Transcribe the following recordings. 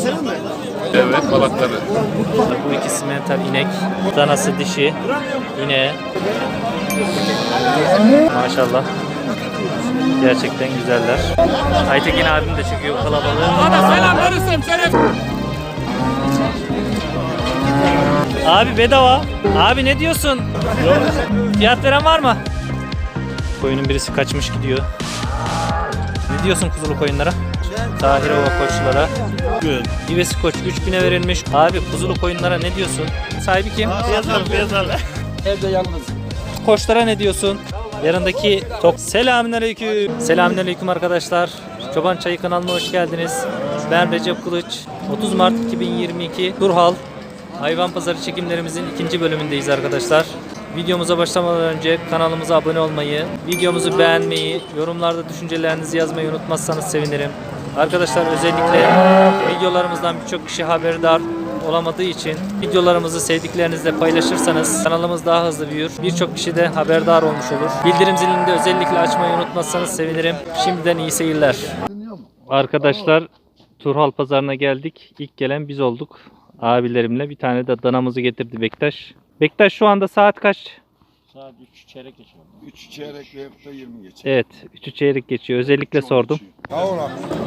senin mi? Evet, balakları. Bu ikisi mental inek. Danası dişi. İneğe. Maşallah. Gerçekten güzeller. Aytekin abim de çekiyor kalabalığı. Bana selam verirsem şeref. Abi bedava. Abi ne diyorsun? Fiyat veren var mı? Koyunun birisi kaçmış gidiyor. Ne diyorsun kuzulu koyunlara? Tahirova koçlara. İvesi koç 3000'e verilmiş. Abi kuzulu koyunlara ne diyorsun? Sahibi kim? Beyazlar. Evde yalnız. Koçlara ne diyorsun? Yanındaki tok. Selamünaleyküm. Selamünaleyküm arkadaşlar. Çoban Çayı kanalına hoş geldiniz. Ben Recep Kılıç. 30 Mart 2022 Turhal Hayvan Pazarı çekimlerimizin ikinci bölümündeyiz arkadaşlar. Videomuza başlamadan önce kanalımıza abone olmayı, videomuzu beğenmeyi, yorumlarda düşüncelerinizi yazmayı unutmazsanız sevinirim. Arkadaşlar özellikle videolarımızdan birçok kişi haberdar olamadığı için videolarımızı sevdiklerinizle paylaşırsanız kanalımız daha hızlı büyür. Birçok kişi de haberdar olmuş olur. Bildirim zilini de özellikle açmayı unutmazsanız sevinirim. Şimdiden iyi seyirler. Arkadaşlar Turhal Pazarı'na geldik. İlk gelen biz olduk. Abilerimle bir tane de danamızı getirdi Bektaş. Bektaş şu anda saat kaç? Saat 3 çeyrek geçiyor. 3 çeyrek ve 20 geçiyor. Evet 3'ü çeyrek geçiyor. Özellikle sordum. Kavun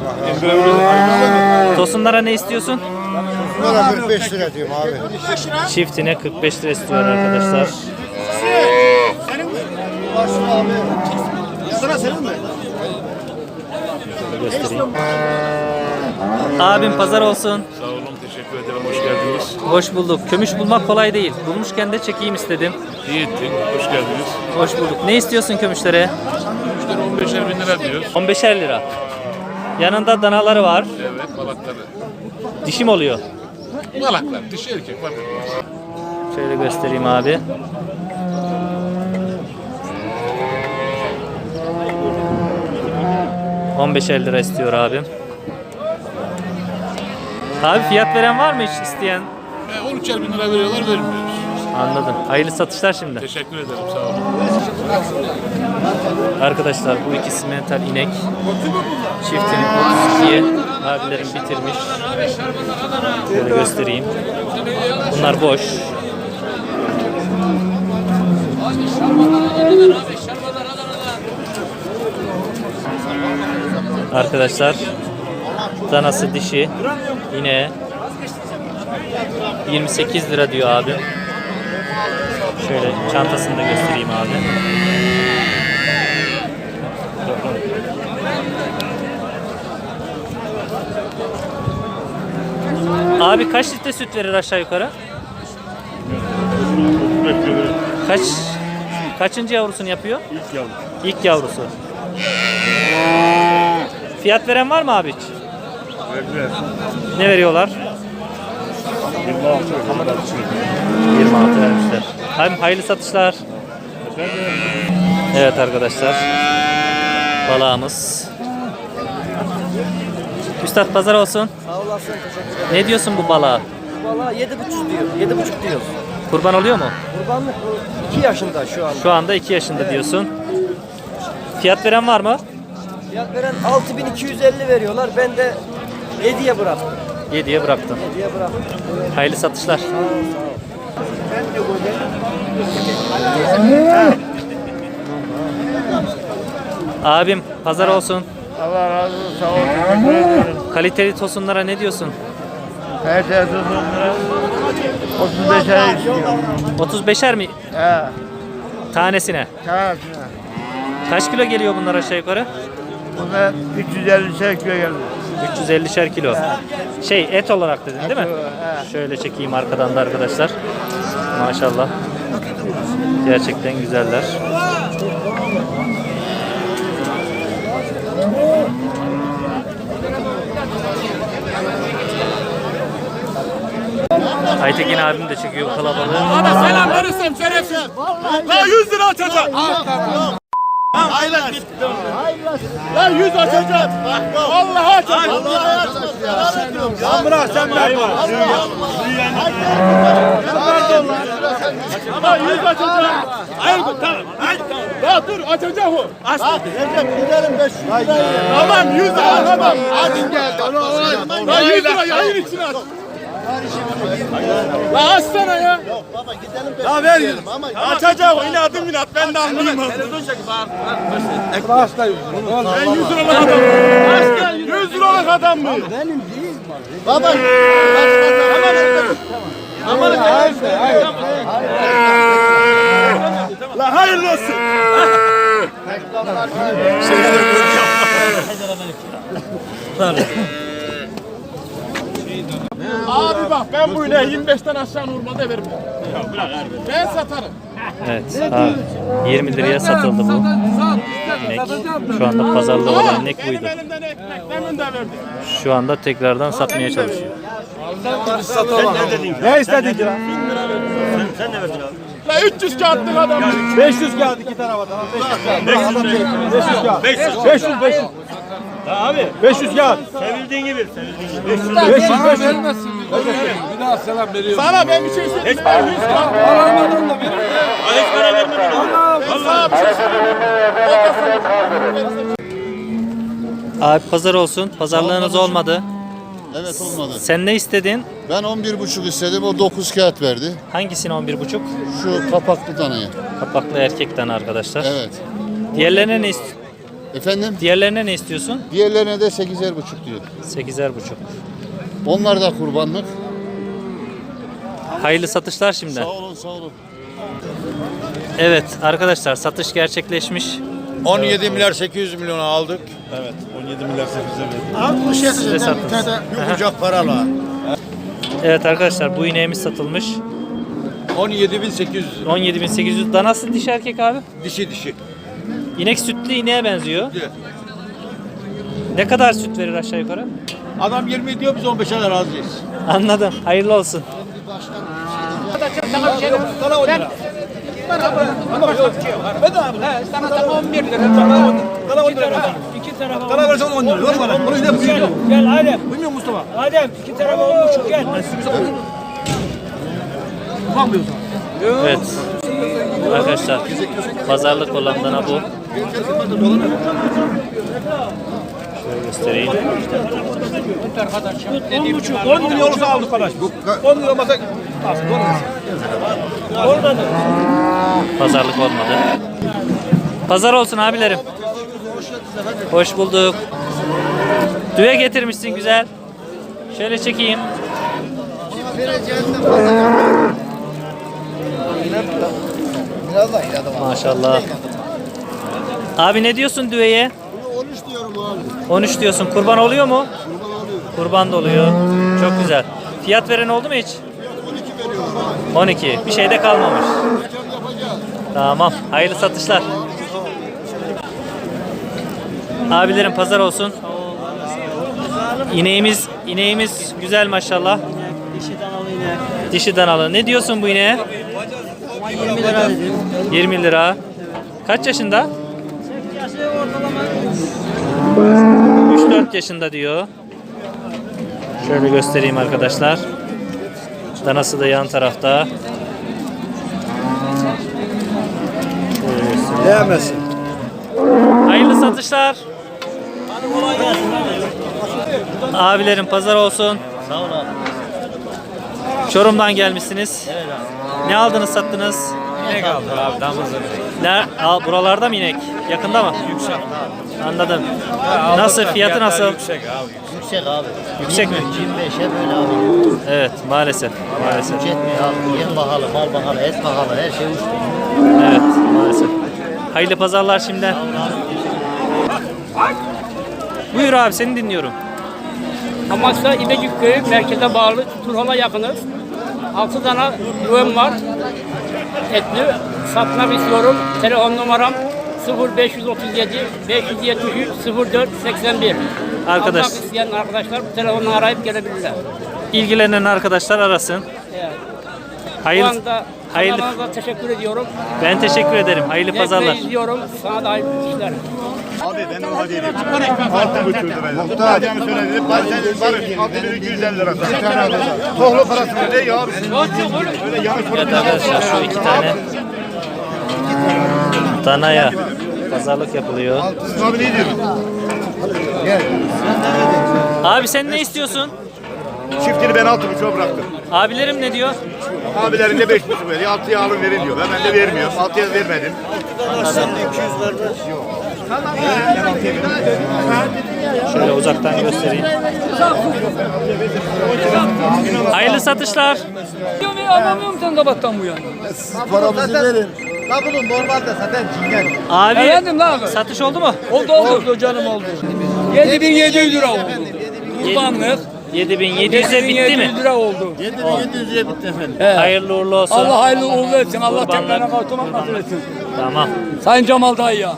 Tosunlara ne istiyorsun? Bunlara 45 lira diyorum abi. Çiftine 45 lira istiyor arkadaşlar. Senin mi? Sana senin mi? Göstereyim. Abim pazar olsun. Sağ olun, teşekkür ederim. Hoş geldiniz. Hoş bulduk. Kömüş bulmak kolay değil. Bulmuşken de çekeyim istedim. İyi ettin, hoş geldiniz. Hoş bulduk. Ne istiyorsun kömüşlere? Müşteri 15'er bin lira diyor. 15'er lira. Yanında danaları var. Evet, balakları. Dişim oluyor. Balaklar, dişi erkek var. Şöyle göstereyim abi. $15'er istiyor abim. Abi fiyat veren var mı hiç isteyen? 13'er bin lira veriyorlar, vermiyoruz. Anladım. Hayırlı satışlar şimdi. Teşekkür ederim, sağ olun. Arkadaşlar bu ikisi mental inek. Çiftini 32'ye abilerim bitirmiş. Şöyle göstereyim. Bunlar boş. Arkadaşlar danası dişi yine 28 lira diyor abi. Şöyle çantasını da göstereyim abi. Abi kaç litre süt verir aşağı yukarı? Kaçıncı yavrusunu yapıyor? İlk yavrum. İlk yavrusu. Fiyat veren var mı abi hiç? Verdiler. Ne veriyorlar? 26 vermişler. Hem hayırlı satışlar. Evet arkadaşlar. Balağımız. Üstad pazar olsun. Sağ olasın, teşekkür ederim. Ne diyorsun bu balığa? Valla 7,5 diyor, 7,5 diyoruz. Kurban oluyor mu? Kurbanlık 2 yaşında şu an. Şu anda 2 yaşında diyorsun. Fiyat veren var mı? Fiyat veren 6250 veriyorlar, ben de 7'ye bıraktım. 7'ye bıraktın. 7'ye bıraktım. Hayırlı satışlar. Abim pazar olsun. Allah razı olsun. Sağ ol. Teşekkür ederim. Kaliteli tosunlara ne diyorsun? Her şey sonunda 35 ay istiyorum. 35'er mi He. tanesine? Tamam. Kaç kilo geliyor bunlar aşağı yukarı? Buna 350 kilo geldi. 350'şer kilo. Şey et olarak dedin değil mi? He. Şöyle çekeyim arkadan da arkadaşlar. Maşallah. Gerçekten güzeller. Aytekin abim de çekiyor kalabalığı. Bana selam verirsem şerefsiz. Daha 100 lira atacağım. Lan 100 açacağım. Vallahi açacağım. Vallahi açacağım. Lan bırak sen bırak. Lan 100 açacağım. Hayır tamam. Ya dur açacağım o. Aç. Recep gidelim 500 liraya. Tamam 100 lira tamam. Hadi gel. Lan 100 lira yayın için aç. La açsana ya. Yok baba gidelim. La ver. Açacağım inadım inat ben de anlayayım. Televizyon çekip bak. Ben 100 liralık adamım. 100 liralık adam mı? Benim değil. Baba. Aman hayır. La hayırlı olsun. Abi bak ben bu ineği 25'ten aşağı normalde vermem. Ben satarım. Evet. Abi, 20 liraya satıldı bu inek. Şu anda pazarda olan inek buydu. Benim elimden ekmek demin de verdim. Şu anda tekrardan satmaya çalışıyor. Ne istedin ki lan? Sen ne verdin abi? La 300 kağıtlık adam. 500 kağıt iki tarafa tamam. 500 kağıt. 500. Abi 500 kağıt. Sevildiğin gibi. 500 vermezsin. Bir daha selam veriyorum. Sana ben bir şey söyleyeyim. 100 kağıt. Alamadan da veririm. Hiç para vermedim. Vallahi bir şey söyleyeyim. Abi pazar olsun. Pazarlığınız olmadı. Evet olmadı. Sen ne istedin? Ben 11,5 istedim, o 9 kağıt verdi. Hangisini 11,5? Şu kapaklı danayı. Kapaklı erkekten arkadaşlar. Evet. Diğerlerine ne Efendim? Diğerlerine ne istiyorsun? Diğerlerine de 8,5 diyor. 8,5. Onlar da kurbanlık. Hayırlı satışlar şimdi. Sağ olun, sağ olun. Evet arkadaşlar satış gerçekleşmiş. 17 milyar 800 milyona aldık. Evet 17 milyar 800'e verdim. Size sattınız. Yumurcak paralar. Evet arkadaşlar bu ineğimiz satılmış. 17.800 17.800. Danası dişi erkek abi. dişi. İnek sütlü ineğe benziyor. Evet. Ne kadar süt verir aşağı yukarı? Adam 20 diyor biz 15'e razıyız. Anladım. Hayırlı olsun. Sana tamam 11 lira. Sana 10 lira. İki tarafa. Sana versen 10 lira. Yok bana. Bunu yine gel Adem. Bilmiyor Mustafa. Adem iki tarafa 10,5 gel. Bakmıyorsun. Evet. Arkadaşlar pazarlık olan dana bu. Şöyle göstereyim. 10 milyon olursa aldık kardeş. 10 milyon olmasa oradadır. Pazarlık olmadı. Pazar olsun abilerim. Hoş bulduk. Düve getirmişsin güzel. Şöyle çekeyim. Maşallah. Abi ne diyorsun düveye? 13 diyorum abi. 13 diyorsun. Kurban oluyor mu? Kurban da oluyor. Çok güzel. Fiyat veren oldu mu hiç? 12 veriyorum. 12. Bir şey de kalmamış. Tamam. Hayırlı satışlar. Abilerim pazar olsun. İneğimiz güzel maşallah. Dişi danalı. Ne diyorsun bu ineğe? 20 lira dedim. 20 lira. Kaç yaşında? 3-4 yaşında diyor. Şöyle göstereyim arkadaşlar. Danası da yan tarafta. Değmesin. Hayırlı satışlar. Abilerim pazar olsun. Sağ ol abi. Çorum'dan gelmişsiniz. Evet abi. Ne aldınız sattınız? İnek aldık abi. Damızlı. Buralarda mı inek? Yakında mı? Yüksek abi. Anladım. Nasıl? Fiyatı nasıl? Yüksek abi. Yüksek mi? 25'e böyle abi. Evet maalesef. Maalesef. Yetmiyor abi. Yem pahalı, mal pahalı, et pahalı, her şey uçtu. Evet maalesef. Hayırlı pazarlar şimdi. Buyur abi seni dinliyorum. Amasya İbecik Köyü merkeze bağlı Turhal'a yakınız. 6 tane düğüm var. Etli. Satmak istiyorum. Telefon numaram 0537 573 04 81. Arkadaş. Almak isteyen arkadaşlar bu telefonla arayıp gelebilirler. İlgilenen arkadaşlar arasın. Evet. Bu Hayırlı, anda Hayırlı. Kanalınıza teşekkür ediyorum. Ben teşekkür ederim. Hayırlı pazarlar. izliyorum. Sana da hayırlı işler. Abi ben ona değilim. 6,5 lira. Muhtar adamı söyledi. Barış 6.250 lira. Tohlu parası ne ya abi? Öyle yanlış Evet arkadaşlar şu iki tane danaya pazarlık yapılıyor. Abi ne diyorsun? Abi sen ne istiyorsun? Çiftini ben 6,5'a bıraktım. Abilerim ne diyor? Abilerin de 5,5 veriyor. 6'ya alın verin diyor. Ben de vermiyorum. 6'ya vermedim. Şöyle uzaktan göstereyim. Hayırlı satışlar. Anlamıyorum sen kabattan bu yana. Paramızı verin. La bunun normalde zaten cingen. Abi Efendim lan abi. satış oldu mu? Oldu canım oldu. 7.700 lira oldu. Kurbanlık. 7.700'e bitti mi? 7.700 lira oldu. 7.700'e bitti efendim. Hayırlı uğurlu olsun. Allah hayırlı uğurlu etsin. Allah Kurbanlar. tekrarına kavuşturmak nasip etsin. Tamam. Sayın Cemal dayı ya.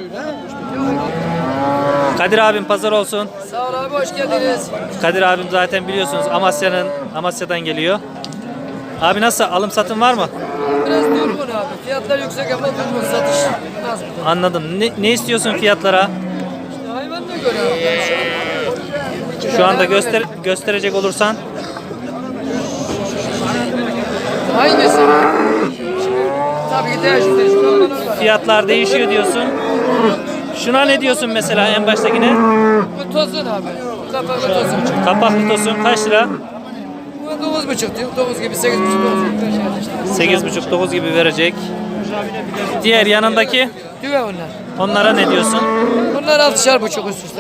Kadir abim pazar olsun. Sağ ol abi, hoş geldiniz. Kadir abim zaten biliyorsunuz Amasya'dan geliyor. Abi nasıl alım satım var mı? Biraz durgun abi. Fiyatlar yüksek ama durgun, satış az. Anladım. Ne istiyorsun fiyatlara? İşte hayvanına göre abi. Şu anda gösterecek olursan Hangisi? Tabii ki değişir. Şuralar var. fiyatlar değişiyor diyorsun. Şuna ne diyorsun mesela en baştakine? Bu tosun abi. Kapalı tosun. Kapaklı tosun kaç lira? Bu 9,5 diyor. 9 gibi 8,5 9 gibi. 8,5-9 gibi verecek. Diğer yanındaki Düve onlar. onlara ne diyorsun? Bunlar 6,5 üst üste.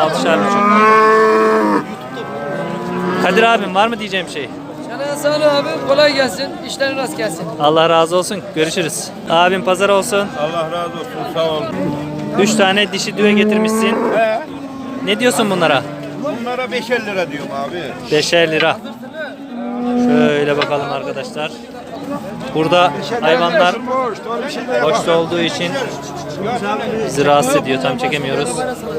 6,5. Kadir abim var mı diyeceğim şey? Sana sağ ol abi. Kolay gelsin. İşlerin rast gelsin. Allah razı olsun. Görüşürüz. Abim pazar olsun. Allah razı olsun. Sağ ol. 3 tane dişi düve getirmişsin. Ne diyorsun bunlara? Bunlara 5'er lira diyorum abi. 5'er lira. Şöyle bakalım arkadaşlar. Burada hayvanlar boşta olduğu için bizi rahatsız ediyor. Tam çekemiyoruz.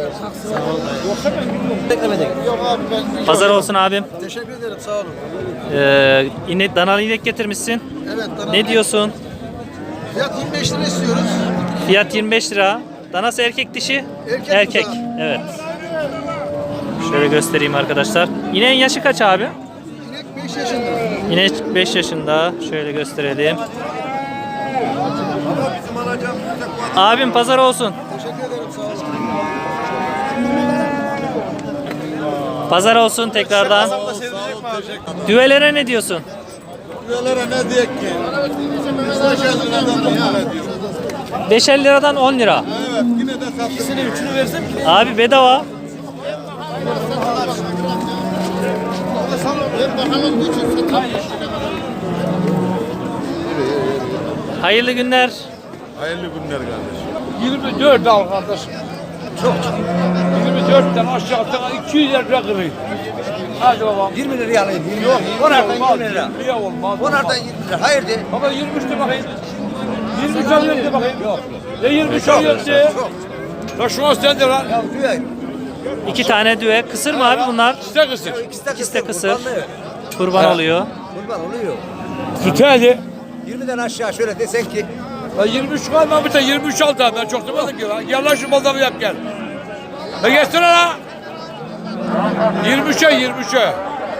Pazar olsun abim. Teşekkür ederim sağ olun. Danalı inek getirmişsin. Evet dana. Ne diyorsun? Fiyat 25 lira istiyoruz. Fiyat 25 lira. Danası erkek dişi? Erkek bu da. Evet. Şöyle göstereyim arkadaşlar. İneğin yaşı kaç abi? İnek 5 yaşında. İnek 5 yaşında. Şöyle gösterelim. Abim pazar olsun. Teşekkür ederim sağ olun. Pazar olsun tekrardan. Düvelere ne diyorsun? Üyelere ne diyek ki? 5 liradan da ya diyor. 5'er liradan 10 lira. Evet yine de sattık. İkisini üçünü versem ki. Abi bedava. Hayırlı günler. Hayırlı günler kardeşim. 24 al kardeşim. Çok. 24'ten aşağıdan 200 lira kırayım. Hadi babam. 20 liraya alayım. Yok. Onlardan olmaz, 20 lira. 20 olmaz. Onlardan 20 lira. Hayır de. Baba 23 de bakayım. 23 alıyorum de bakayım. Yok. Ne 23 alıyorum de. La şu an sen de lan. Ya düğün. 2 tane düve. Kısır mı abi bunlar? İşte kısır. İkisi de kısır. Kurban oluyor. Kurban oluyor. Tut hadi. 20'den aşağı şöyle desen ki. La 23 kalma bir de 23 al da ben çok demedim ki lan. Gel lan şu pazarı yap gel. La geçsene la. 23'e 23'e.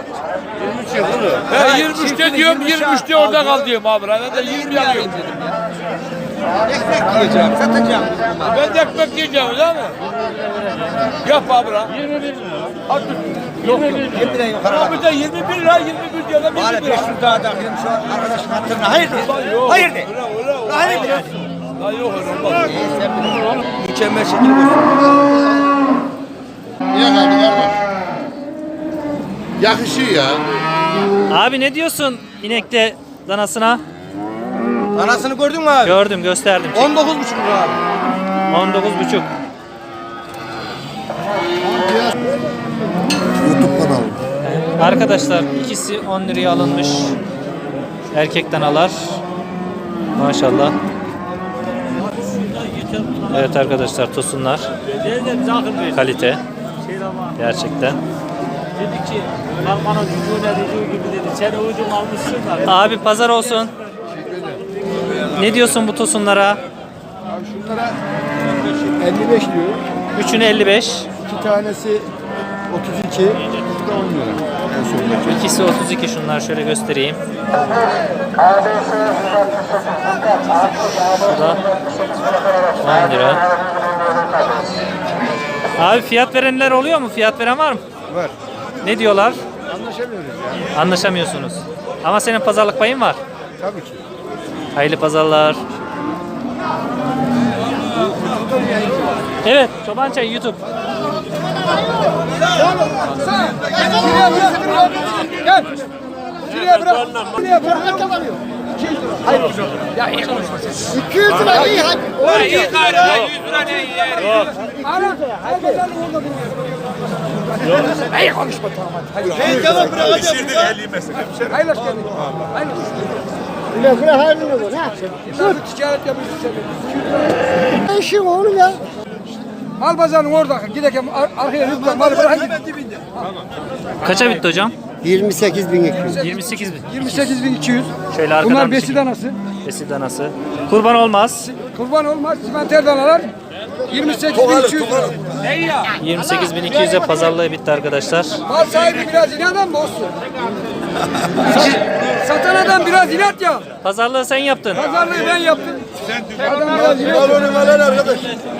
23'te diyorum 23'te orada kal diyorum abi. Ben de 20 alıyorum. Ekmek yiyeceğim. Satacağım. Ben de ekmek yiyeceğim değil mi? Yap abi lan. 21 lira. Hadi. Yok yok. 20 lira yukarı. Abi de 21 lira 21 diyor lan 21 Bari lira. 500 daha takayım şu arkadaşın hatırına. Hayır de. Hayır de. Hayır de. Lan yok öyle olmaz. Mükemmel şekilde göster. Niye kaldı kardeş? Yakışıyor ya. Abi ne diyorsun inekte danasına? Anasını gördün mü abi? Gördüm, gösterdim. 19,5 lira abi. 19,5. YouTube kanalı. Arkadaşlar ikisi 10 liraya alınmış. Erkek danalar. Maşallah. Evet arkadaşlar tosunlar. Kalite. Gerçekten. Dedi ki bana çocuğuna dediği gibi dedi sen ucum almışsın da. Abi pazar olsun. Ne diyorsun bu tosunlara? Şunlara 55 diyor. Üçünü 55. 2 tanesi 32. Bu da 10 lira. En son. İkisi 32, şunlar şöyle göstereyim. Bu da 10 lira. Abi fiyat verenler oluyor mu? Fiyat veren var mı? Var. Ne diyorlar? Anlaşamıyoruz yani. Anlaşamıyorsunuz. Ama senin pazarlık payın var. Tabii ki. Hayırlı pazarlar. Evet, Çoban Çayı YouTube. Gel. Şuraya bırak. Şuraya bırak. Hayır. Ya iyi konuşma sen. 200 lira iyi hadi. O iyi gari. 100 lira ne iyi yer. Ara. Hayır. İyi konuşma tamam hadi. Ben cevap bırakacağım. Hayır hoş geldin. Hayır. Bile bile hayırlı bu ne? Dur. Ticaret yapıyorsun sen. Ne işin oğlum ya? Mal pazarının orada giderken arkaya lütfen mal bırakın git. Kaça bitti hocam? 28.200. 28 bin. 28.200. Şöyle arkadan Bunlar bir besi çekin. danası. Besi danası. Kurban olmaz. Kurban olmaz. Simenter danalar 28.200 lira. 28.200'e pazarlığı bitti arkadaşlar. Mal sahibi biraz inat ama olsun. Satan adam biraz inat ya. Pazarlığı sen yaptın. Pazarlığı ben yaptım. Adam biraz inat. Balonu veren arkadaş.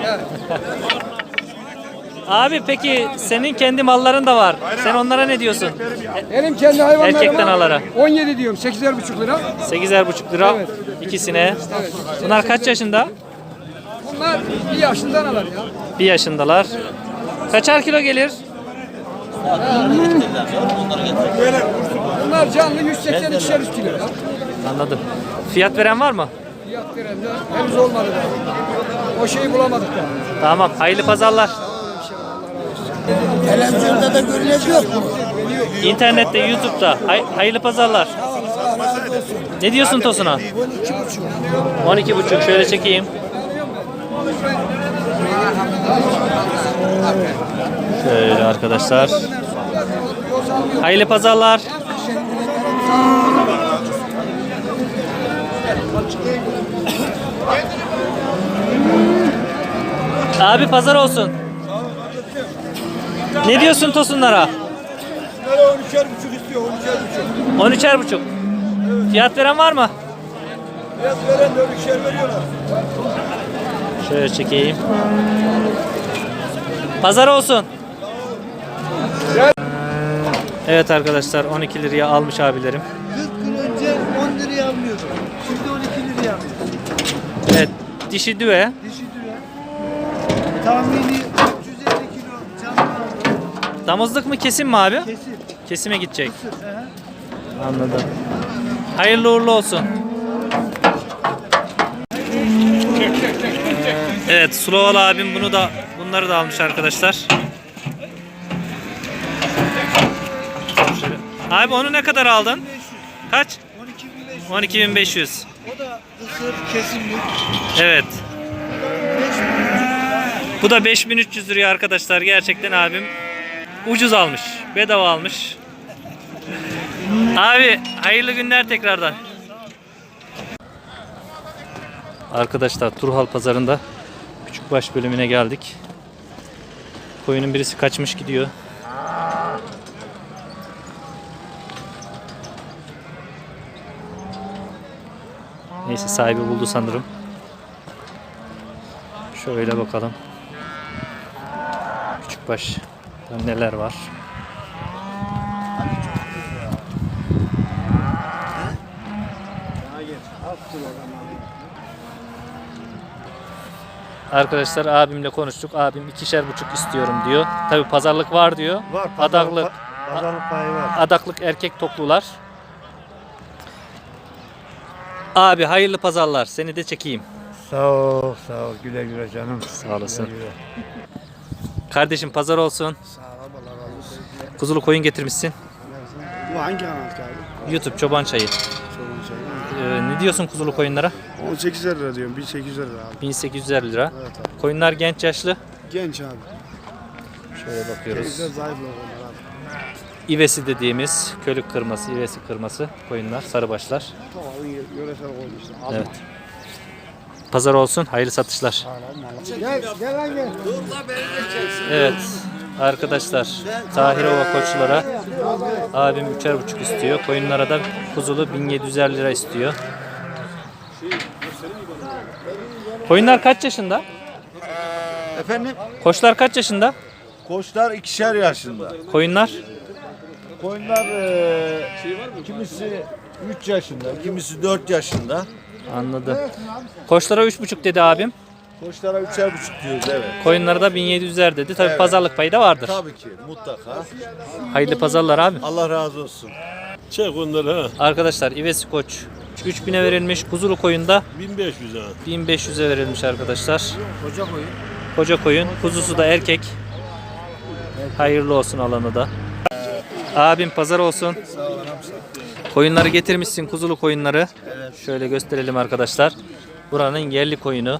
Abi peki senin kendi malların da var. Sen onlara ne diyorsun? Benim kendi hayvanlarıma Erkek danalara. 17 diyorum. 8,5 lira. 8,5 lira Evet. ikisine. Bunlar kaç yaşında? Bunlar bir yaşında danalar ya. 1 yaşındalar. Kaçar kilo gelir? Bunlar canlı 180-200 kilo ya. Anladım. Fiyat veren var mı? Fiyat veren de henüz olmadı da. O şeyi bulamadık da. Tamam. Hayırlı pazarlar. Televizyonda da görülecek yok mu? İnternette, YouTube'da. Hayırlı pazarlar. Ne diyorsun tosuna? 12,5. Şöyle çekeyim. Şöyle arkadaşlar. Hayırlı pazarlar. Abi pazar olsun. Ne diyorsun tosunlara? 13,5 istiyor. 13,5. 13,5. Fiyat veren var mı? Fiyat veren de 13'er veriyorlar. Şöyle çekeyim. Pazar olsun. Evet arkadaşlar 12 liraya almış abilerim. 40 gün önce 10 liraya almıyordum. Şimdi 12 liraya alıyorum. Evet dişi düve. Dişi düve. Tahmini 350 kilo canlı. Damızlık mı kesim mi abi? Kesin. Kesime gidecek. Anladım. Hayırlı uğurlu olsun. Evet Sulovalı abim bunları da almış arkadaşlar. Şöyle. Abi onu ne kadar aldın? Kaç? 12.500. O da kısır kesimlik. Evet. Bu da 5.300 liraya arkadaşlar. Gerçekten abim ucuz almış. Bedava almış. Abi hayırlı günler tekrardan. Arkadaşlar Turhal pazarında küçükbaş bölümüne geldik. Koyunun birisi kaçmış gidiyor. Neyse sahibi buldu sanırım. Şöyle bakalım. Küçükbaş neler var. Arkadaşlar abimle konuştuk. Abim 2,5 istiyorum diyor. Tabi pazarlık var diyor. Var. Adaklık, Pazarlık payı var. adaklık erkek toklular. Abi hayırlı pazarlar. Seni de çekeyim. Sağ ol, sağ ol. Güle güle canım. Sağ olasın. Güle güle. Kardeşim pazar olsun. Sağ ol, Allah razı olsun. Kuzulu koyun getirmişsin. Bu hangi kanal abi? YouTube Çoban Çayı. Ne diyorsun kuzulu koyunlara? 18 lira diyorum, 1800 lira abi. 1850 lira. Evet abi. Koyunlar genç yaşlı. Genç abi. Şöyle bakıyoruz. Bizde zayıf onlar abi. İvesi dediğimiz kölük kırması, ivesi kırması koyunlar, sarıbaşlar. Tamam, yöresel koyun işte. Evet. pazar olsun. Hayırlı satışlar. Gel lan gel. Evet arkadaşlar, Tahirova koçlara abim 3,5 istiyor. Koyunlara da kuzulu 1750 lira istiyor. Koyunlar kaç yaşında? Efendim? Koçlar kaç yaşında? Koçlar 2'şer yaşında. Koyunlar Koyunlar kimisi 3 yaşında, kimisi 4 yaşında. anladım. Koçlara 3,5 dedi abim. Koçlara 3'er buçuk diyoruz evet. Koyunlara da 1700'ler dedi. Tabii pazarlık payı da vardır. Tabii ki mutlaka. Hayırlı pazarlar abi. Allah razı olsun. Çek onları ha. Arkadaşlar İvesi Koç 3000'e verilmiş. Kuzulu koyunda 1500 ha. 1500'e verilmiş arkadaşlar. Koca koyun. Kuzusu da erkek. Hayırlı olsun alanı da. Abim pazar olsun. Koyunları getirmişsin, kuzulu koyunları. Şöyle gösterelim arkadaşlar. Buranın yerli koyunu.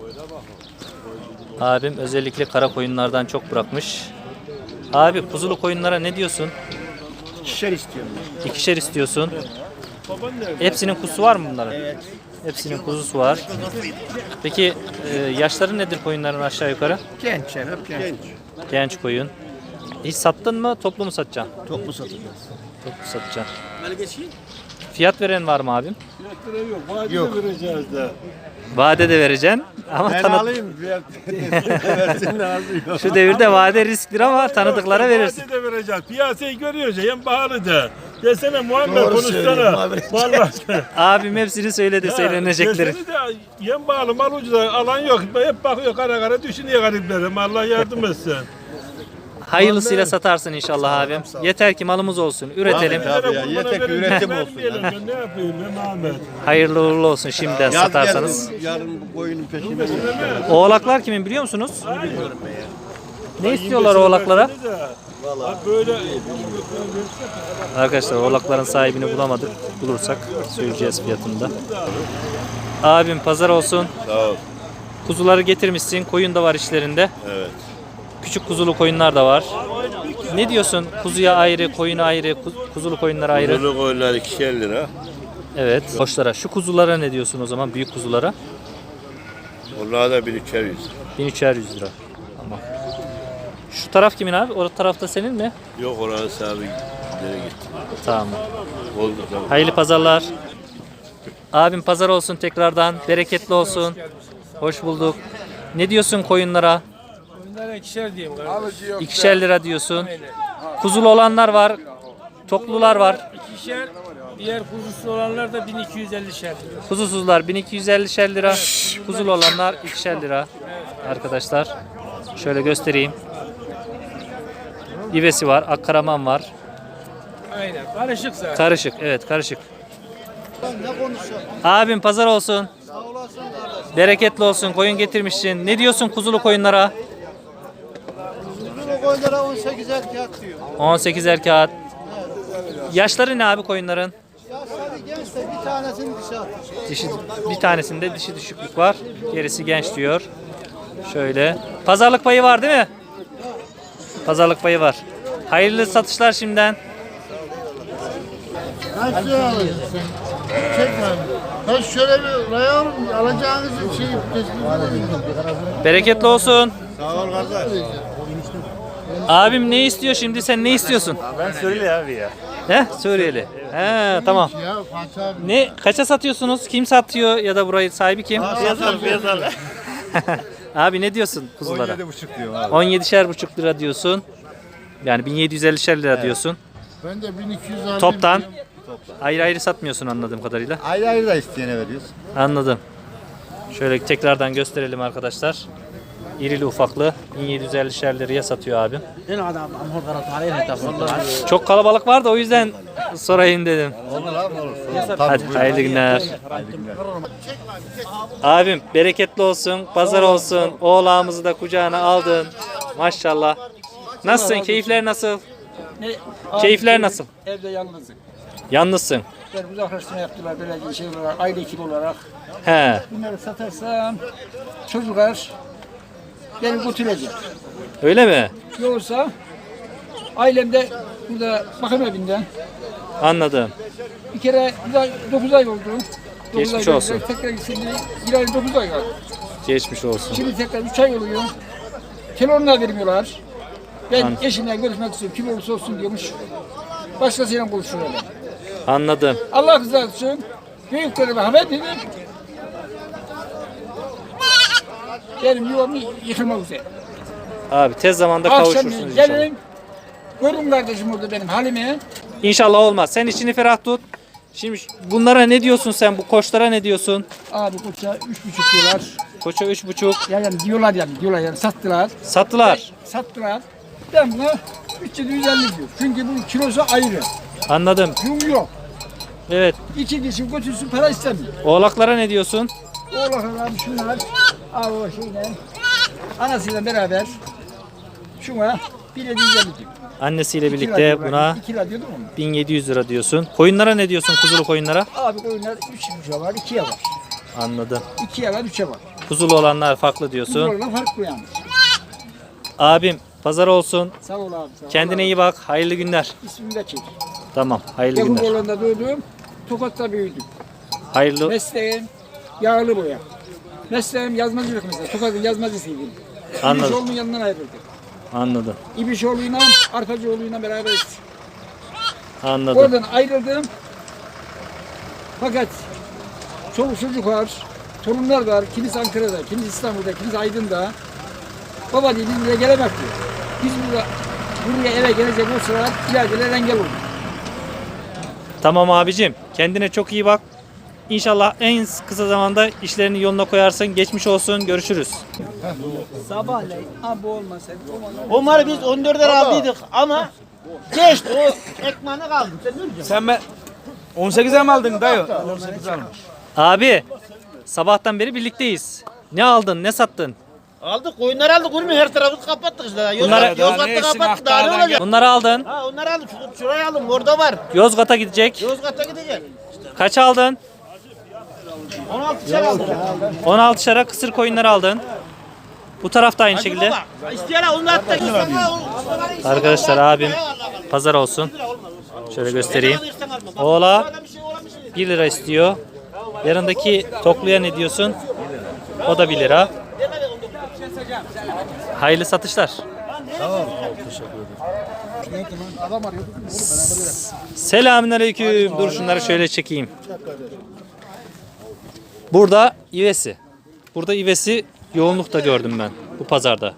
Abim özellikle kara koyunlardan çok bırakmış. Abi kuzulu koyunlara ne diyorsun? 2'şer istiyorum. 2'şer istiyorsun. Hepsinin kuzusu var mı bunların? Evet. Hepsinin kuzusu var. Peki yaşları nedir koyunların aşağı yukarı? Genç ya, hep genç. Genç koyun. Hiç sattın mı? Toplu mu satacaksın? Toplu satacağız. Toplu satacaksın. Fiyat veren var mı abim? Yok. Vereceğiz de. Vade de vereceksin ama Ben alayım. Versin lazım. şu devirde vade risklidir ama tanıdıklara verirsin. Vade de vereceğiz. Piyasayı görüyoruz ya. Hem pahalı da. Desene Muhammed konuşsana. Vallahi. Abim hepsini söyledi söylenecekleri. Desene de yem pahalı mal ucuz alan yok. Hep bakıyor kara kara düşünüyor gariplerim. Allah yardım etsin. Hayırlısıyla satarsın inşallah abim. Yeter ki malımız olsun. Üretelim. Abi ya, yeter ki üretim olsun ya. Ben ne yapayım ben Ahmet? Hayırlı uğurlu olsun şimdiden Yaz satarsanız. geldi, yarın bu koyunun peşinde. Oğlaklar kimin biliyor musunuz? Ne istiyorlar oğlaklara? Böyle Arkadaşlar oğlakların sahibini bulamadık. Bulursak söyleyeceğiz fiyatında. Abim pazar olsun. Sağ ol. Kuzuları getirmişsin. Koyun da var içlerinde. Evet. Küçük kuzulu koyunlar da var. Ne diyorsun? Kuzuya ayrı, koyuna ayrı, kuzulu koyunlara ayrı. Bunu koyunlar 2'şer lira. Evet. Koçlara. Şu kuzulara ne diyorsun o zaman? Büyük kuzulara. Onlar da 1300. 1300 lira. Tamam. Şu taraf kimin abi? O tarafta senin mi? Yok oranın sahibi nereye gitti? Tamam. Oldu tamam. Hayırlı pazarlar. Abim pazar olsun tekrardan. Bereketli olsun. Hoş bulduk. Ne diyorsun koyunlara? Bunlara 2'şer diyeyim kardeş. 2'şer lira diyorsun. Kuzulu olanlar var. Toklular var. 2'şer, diğer kuzusu olanlar da 1250'şer. Kuzusuzlar 1250'şer lira. Kuzulu olanlar 2'şer lira. Arkadaşlar şöyle göstereyim. İvesi var, akkaraman var. Aynen, karışık zaten. Karışık, evet karışık. Abim pazar olsun. Bereketli olsun. Koyun getirmişsin. Ne diyorsun kuzulu koyunlara? Kuzulu koyunlara 18 erkek diyor. 18 erkek. Yaşları ne abi koyunların? Yaşları genç de bir tanesini dışarı atıyor. Dişi, bir tanesinde dişi düşüklük var. Gerisi genç diyor. Şöyle. Pazarlık payı var değil mi? Pazarlık payı var. Hayırlı satışlar şimdiden. Kaç lira alıyorsun? Çekme. Ben şöyle bir raya alacağınızı şey Bereketli olsun. Sağ ol kardeş. Abim ne istiyor şimdi? Sen ne istiyorsun? Ben söyle abi ya. He? Suriyeli. He, tamam. ya Fatih abi. Ne kaça satıyorsunuz? Kim satıyor ya da burayı sahibi kim? Piyasal. Abi ne diyorsun kuzulara? 17,5 diyorum abi. 17,5 lira diyorsun. Yani 1750 lira diyorsun. Ben de 1200 aldım. Toptan. Ayrı ayrı satmıyorsun anladığım kadarıyla. Ayrı ayrı da isteyene veriyoruz. Anladım. Şöyle tekrardan gösterelim arkadaşlar. İrili ufaklı 1750 liraya satıyor abim. Çok kalabalık var da o yüzden sorayım dedim. Olur abi olur. Hadi hayırlı günler. Abim bereketli olsun, pazar olsun. Oğlağımızı da kucağına aldın. Maşallah. Nasılsın? Keyifler nasıl? Keyifler nasıl? Evde yalnızım. Yalnızsın. Ben uzaklaştırma yaptılar böyle şey olarak, aile ekibi olarak. He. Bunları satarsam çocuklar beni götürecek. Öyle mi? Yoksa ailemde burada bakım evinden Anladım. bir kere burada 9 ay oldu. Geçmiş olsun. Tekrar şimdi bir ay 9 ay var. Geçmiş olsun. Şimdi tekrar 3 ay oluyor. Telefonla vermiyorlar. Ben eşimle görüşmek istiyorum. Kim olursa olsun diyormuş. Başkasıyla konuşuyorlar. Anladım. Allah rızası için büyüklerime haber dedim. Benim yuvam yıkılmak üzere. Abi tez zamanda Akşam kavuşursunuz inşallah. gelin. Görün kardeşim orada benim halimi. İnşallah olmaz. Sen içini ferah tut. Şimdi bunlara ne diyorsun sen? Bu koçlara ne diyorsun? Abi koça 3,5 diyorlar. Koça 3,5. Yani diyorlar yani sattılar. Sattılar. Sattılar. Ben buna 350 diyor. Çünkü bu kilosu ayrı. Anladım. Yum yok. Evet. İki kişi götürsün para istemiyor. Oğlaklara ne diyorsun? Oğlaklar abi şunlar. Abi o şeyle. Anasıyla beraber. Şuna 1750 diyor. Annesiyle 2 birlikte lira buna 2 lira diyordum mu? 1700 lira diyorsun. Koyunlara ne diyorsun? Kuzulu koyunlara? Abi koyunlar 3,5'a var, 2'ye var. Anladım. 2'ye var, 3'e var. Kuzulu olanlar farklı diyorsun. Bunlarla farklı yani. Abim pazar olsun. Sağ ol abi. Sağ ol. Kendine iyi bak. Hayırlı günler. İsmini de çek. Tamam. Hayırlı Yakın günler. oğlanda doğdum. Tokat'ta büyüdüm. Hayırlı. Mesleğim yağlı boya. Mesleğim yazmacılık mesela. Tokat'ın yazmacısıydım. Anladım. İbişoğlu'nun yanından ayrıldım. Anladım. İbişoğlu'yla Arpacıoğlu'yla beraberiz. Anladım. Oradan ayrıldım. Fakat çoluk çocuk var. Torunlar var. Kimisi Ankara'da, kimisi İstanbul'da, kimisi Aydın'da. Baba diye biz buraya gelemek diyor. Biz buraya eve gelecek olsalar ileride engel olur. Tamam abicim. Kendine çok iyi bak. İnşallah en kısa zamanda işlerini yoluna koyarsın. Geçmiş olsun. Görüşürüz. Sabahleyin abi olmasa. Onları biz 14'er aldıydık ama geçti o ekmeğini kaldı. Sen ne diyorsun? Sen ben 18'e mi aldın dayı? 18 almış. Abi sabahtan beri birlikteyiz. Ne aldın? Ne sattın? Aldık koyunları aldık oğlum her tarafı kapattık işte. Bunlara- Yozgat'ta kapattık daha ne olacak? Bunları aldın. Ha onları aldık şuraya aldım orada var. Yozgat'a gidecek. Yozgat'a gidecek. Kaç aldın? 16 çay aldık. 16 şara kısır koyunları aldın. Bu tarafta aynı şekilde. Baba isteyen onu da attık. Arkadaşlar abim pazar olsun. Şöyle göstereyim. Oğla 1 lira istiyor. Yanındaki tokluya ne diyorsun? O da 1 lira. Hayırlı satışlar. Selamünaleyküm. Dur şunları şöyle çekeyim. Burada ivesi. Burada ivesi yoğunlukta gördüm ben bu pazarda.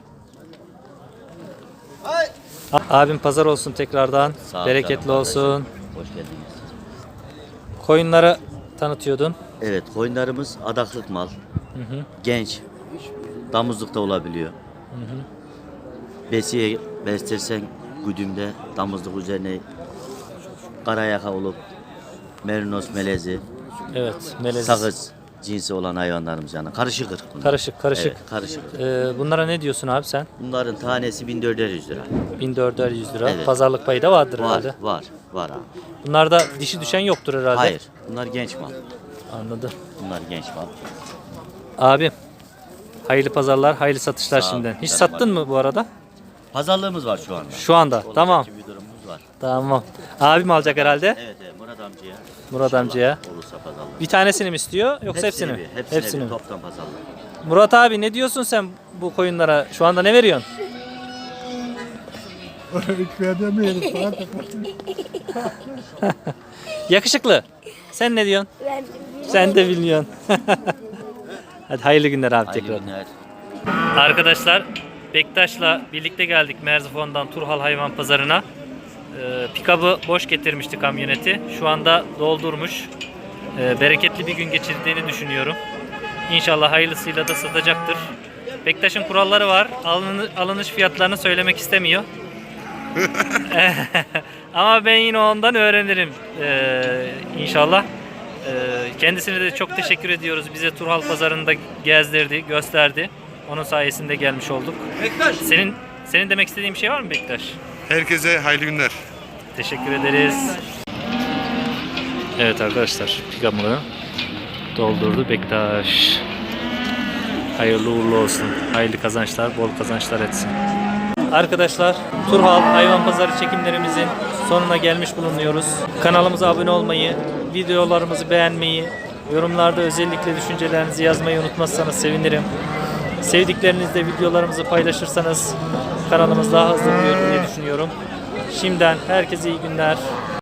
Abim pazar olsun tekrardan. Bereketli olsun. Hoş geldiniz. Koyunları tanıtıyordun. Evet, koyunlarımız adaklık mal. Genç. Damızlık da olabiliyor. Besiye beslersen güdümde damızlık üzerine karayaka olup merinos melezi, Evet, melez. sakız cinsi olan hayvanlarımız yani. Karışık ırk bunlar. Karışık. Evet, karışık. Bunlara ne diyorsun abi sen? Bunların tanesi 1400 lira. 1400 lira. Evet. Pazarlık payı da vardır Var, herhalde. var abi. Bunlarda dişi düşen yoktur herhalde. Hayır, bunlar genç mal. Anladım. Bunlar genç mal. Abi hayırlı pazarlar, hayırlı satışlar Sağ ol, şimdiden. Hiç canım sattın mı bu arada? Pazarlığımız var şu anda. Şu anda. Olacak Tamam. gibi bir durumumuz var. Tamam. Abim alacak herhalde. Evet, Murat amcaya. Murat İnşallah amcaya. Olursa pazarlık. Bir tanesini mi istiyor yoksa hepsini mi? Hepsini mi? bir toptan pazarlık. Murat abi ne diyorsun sen bu koyunlara? Şu anda ne veriyorsun? Yakışıklı. Sen ne diyorsun? Sen de biliyorsun. Hadi hayırlı günler abi Hayırlı tekrar. günler. Arkadaşlar Bektaş'la birlikte geldik Merzifon'dan Turhal Hayvan Pazarı'na. Pikabı boş getirmişti kamyoneti. Şu anda doldurmuş. Bereketli bir gün geçirdiğini düşünüyorum. İnşallah hayırlısıyla da satacaktır. Bektaş'ın kuralları var. Alınış fiyatlarını söylemek istemiyor. Ama ben yine ondan öğrenirim inşallah. Kendisine de çok teşekkür ediyoruz. Bize Turhal Pazarı'nda gezdirdi, gösterdi. Onun sayesinde gelmiş olduk. Bektaş. Senin demek istediğin bir şey var mı Bektaş? Herkese hayırlı günler. Teşekkür ederiz. Evet arkadaşlar, pikamını doldurdu Bektaş. Hayırlı uğurlu olsun. Hayırlı kazançlar, bol kazançlar etsin. Arkadaşlar, Turhal Hayvan Pazarı çekimlerimizin sonuna gelmiş bulunuyoruz. Kanalımıza abone olmayı, videolarımızı beğenmeyi, Yorumlarda özellikle düşüncelerinizi yazmayı unutmazsanız sevinirim. Sevdiklerinizle videolarımızı paylaşırsanız kanalımız daha hızlı büyür diye düşünüyorum. Şimdiden herkese iyi günler.